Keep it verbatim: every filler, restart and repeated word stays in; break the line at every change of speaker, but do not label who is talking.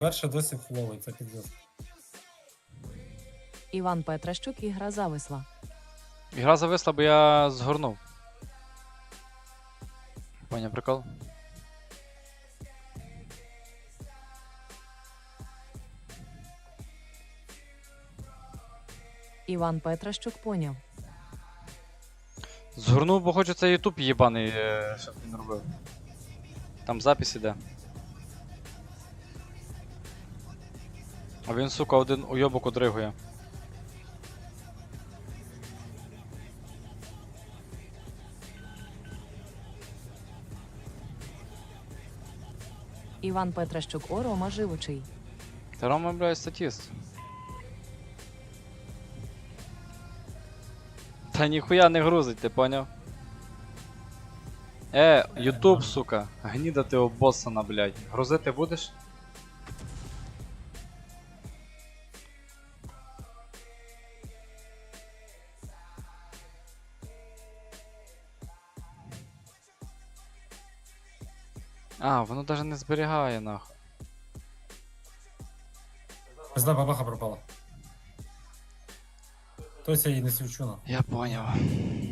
Перше досі фловий, це піздець.
Іван Петращук, ігра зависла.
Ігра зависла, бо я згорнув. Поняв прикол?
Іван Петращук поняв.
Згорнув, бо хочу цей ютуб єбаний, е, щоб він робив. Там запис іде. А він, сука, один уйобок одригує.
Іван Петращук, о, Рома живучий.
Та Рома, блядь, статіст. Та ніхуя не грузить, ти поняв? Е, ютуб, сука, гніда ти обоссана, блядь. Грузити будеш? А, воно даже не зберігає, нахуй.
Пизда бабаха пропала. Хтось я її не свічу на.
Я поняв.